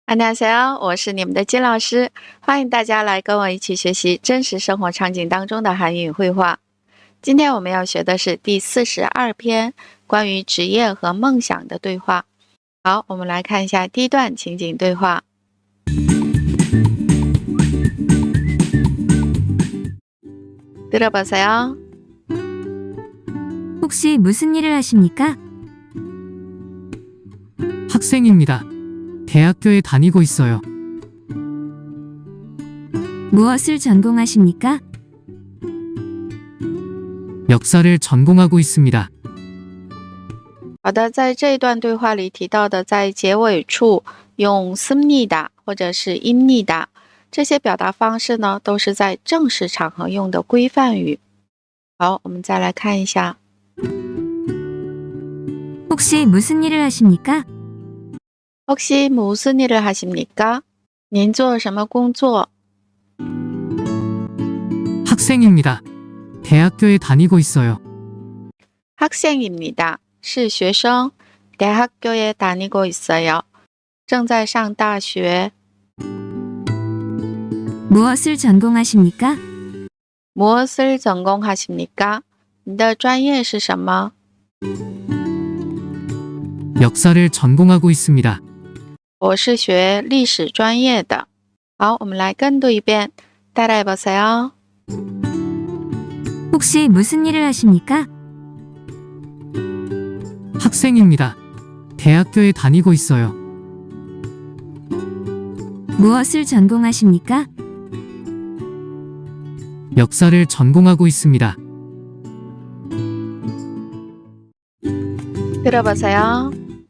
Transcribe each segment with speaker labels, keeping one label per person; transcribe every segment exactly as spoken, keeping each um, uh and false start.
Speaker 1: 안녕하세요，我是你们的金老师，欢迎大家来跟我一起学习真实生活场景当中的韩语绘画。今天我们要学的是第四十二篇关于职业和梦想的对话。好，我们来看一下第一段情景对话。 들어보세요.
Speaker 2: 혹시 무슨 일을 하십니까?
Speaker 3: 학생입니다. 대학교에 다니고 있어요.
Speaker 2: 무엇을 전공하십니까?
Speaker 3: 역사를 전공하고 있습니다.
Speaker 1: 好的，在这一段对话里提到的，在结尾处用씁니다或者是입니다这些表达方式呢，都是在正式场合用的规范语。好，我们再来看一下。
Speaker 2: 혹시 무슨 일을 하십니까?
Speaker 1: 혹시 무슨 일을 하십니까? 您做什么工作？
Speaker 3: 학생입니다. 대학교에 다니고 있어요.
Speaker 1: 학생입니다. 是学生。 대학교에 다니고 있어요. 正在上大学。
Speaker 2: 무엇을 전공하십니까?
Speaker 1: 무엇을 전공하십니까? 你的专业是什么？
Speaker 3: 역사를 전공하고 있습니다.
Speaker 1: 我是学历史专业的。好，我们来跟读一遍。 따라해보세요.
Speaker 2: 혹시 무슨 일을 하십니까?
Speaker 3: 학생입니다. 대학교에 다니고 있어요.
Speaker 2: 무엇을 전공하십니까?
Speaker 3: 역사를 전공하고 있습니다.
Speaker 1: 들어보세요.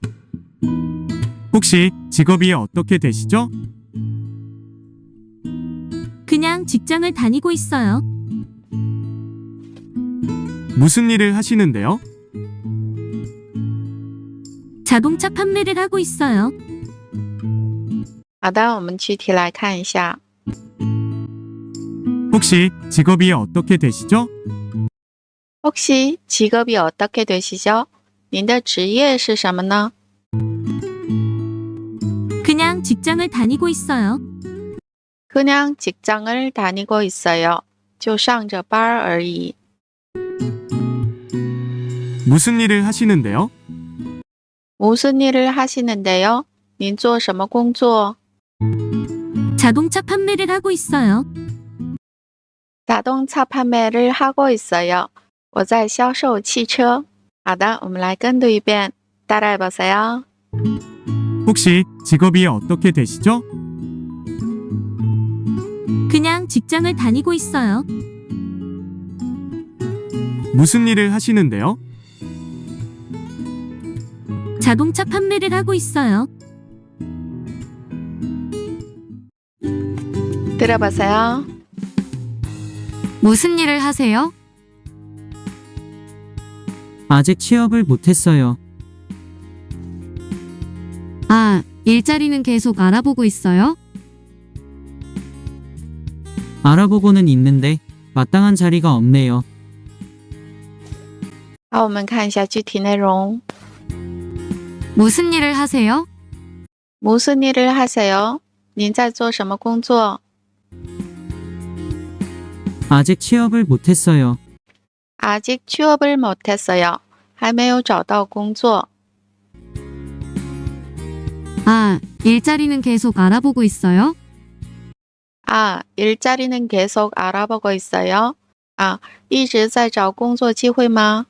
Speaker 4: 혹시 직업이 어떻게 되시죠?
Speaker 2: 그냥 직장을 다니고 있어요.
Speaker 4: 무슨 일을 하시는데요?
Speaker 2: 자동차 판매를 하고 있어요.
Speaker 1: 好的，我们具体来看一下。
Speaker 4: 혹시 직업이 어떻게 되시죠?
Speaker 1: 혹시 직업이 어떻게 되시죠? 您的职业是什么呢？
Speaker 2: 그냥 직장을 다니고 있어요.
Speaker 1: 그냥 직장을 다니고 있어요. 就上着班而已。
Speaker 4: 무슨 일을 하시는데요?
Speaker 1: 무슨 일을 하시는데요? 您做什么工作？
Speaker 2: 자동차 판매를 하고 있어요.
Speaker 1: 자동차 판매를 하고 있어요. 我在销售汽车。好的，我们来跟读一遍。 따라해보세요.
Speaker 4: 혹시 직업이 어떻게 되시죠?
Speaker 2: 그냥 직장을 다니고 있어요.
Speaker 4: 무슨 일을 하시는데요?
Speaker 2: 자동차 판매를 하고 있어요.
Speaker 1: 들어보세요.
Speaker 2: 무슨 일을 하세요?
Speaker 3: 아직 취업을 못했어요.
Speaker 2: 아, 일자리는 계속 알아보고 있어요?
Speaker 3: 알아보고는 있는데 마땅한 자리가 없네요.
Speaker 1: 好，我们看一下具体内容。
Speaker 2: 무슨 일을 하세요?
Speaker 1: 무슨 일을 하세요? 您在做什么工作？
Speaker 3: 아직 취업을 못했어요.
Speaker 1: 아직 취업을 못했어요. 还没有找到工作。
Speaker 2: 아, 일자리는 계속 알아보고 있어요?
Speaker 1: 아, 일자리는 계속 알아보고 있어요. 아, 一直在找工作机会吗？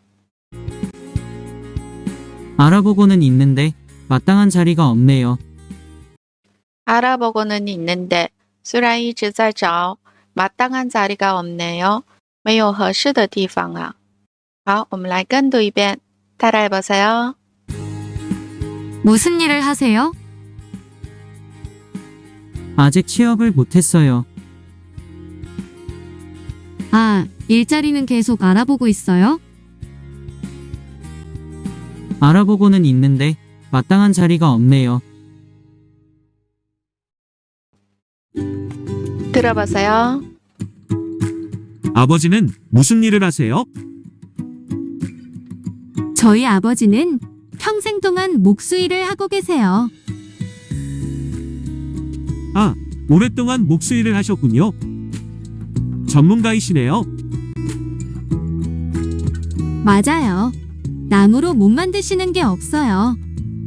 Speaker 3: 알아보고는 있는데 마땅한 자리가 없네요.
Speaker 1: 알아보고는 있는데 虽然一直在找 마땅한 자리가 없네요. 没有合适的地方啊。好，我们来跟读一遍。 따라해보세요.
Speaker 2: 무슨 일을 하세요?
Speaker 3: 아직 취업을 못했어요.
Speaker 2: 아, 일자리는 계속 알아보고 있어요?
Speaker 3: 알아보고는 있는데 마땅한 자리가 없네요.
Speaker 1: 들어보세요.
Speaker 4: 아버지는 무슨 일을 하세요?
Speaker 2: 저희 아버지는 평생 동안 목수 일을 하고 계세요.
Speaker 4: 아, 오랫동안 목수일을 하셨군요. 전문가이시네요.
Speaker 2: 맞아요. 나무로 못 만드시는 게 없어요.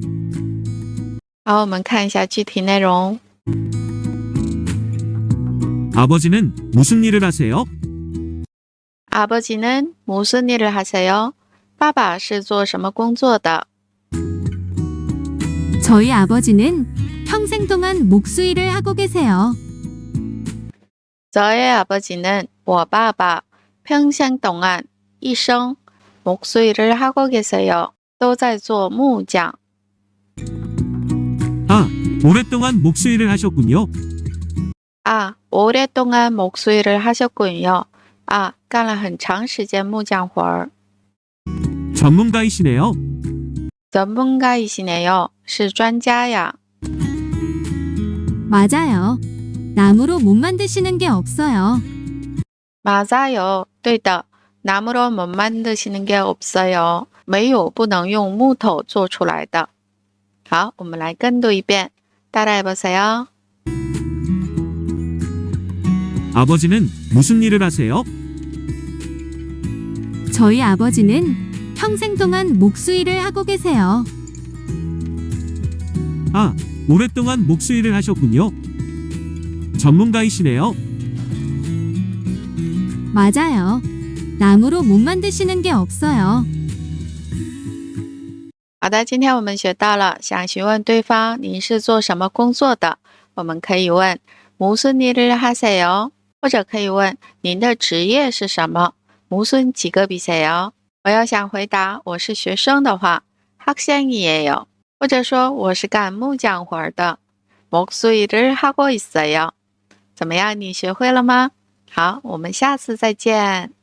Speaker 1: 好，我们看一下具体内容。
Speaker 4: 아버지는 무슨 일을 하세요?
Speaker 1: 아버지는 무슨 일을 하세요? 爸爸是做什么工作的？
Speaker 2: 저희 아버지는 평생 동안 목수 일을 하고 계세요.
Speaker 1: 저의 아버지는 我爸爸 평생 동안 一生 목수일을 하고 계세요. 都在做木匠。
Speaker 4: 아, 오랫동안 목수일을 하셨군요.
Speaker 1: 아, 오랫동안 목수일을 하셨군요. 아, 干了很长时间木匠活儿。
Speaker 4: 전문가이시네요.
Speaker 1: 전문가이시네요. 是专家呀。
Speaker 2: 맞아요. 나무로 못 만드시는 게 없어요.
Speaker 1: 맞아요. 对的。 나무로 못 만드시는 게 없어요. 没有不能用木头做出来的。好，我们来跟读一遍。따라해보세요.
Speaker 4: 아버지는 무슨 일을 하세요?
Speaker 2: 저희 아버지는 평생 동안 목수 일을 하고 계세요.
Speaker 4: 아, 오랫동안 목수일을 하셨군요. 전문가이시네요.
Speaker 2: 맞아요. 나무로 못 만드시는 게 없어요.
Speaker 1: 好的，今天我们学到了，想询问对方您是做什么工作的，我们可以问무슨 일을 하세요，或者可以问您的职业是什么，무슨 직업이세요。我要想回答我是学生的话，학생이에요，或者说我是干木匠活的，목수일을 하고 있어요。怎么样，你学会了吗？好，我们下次再见。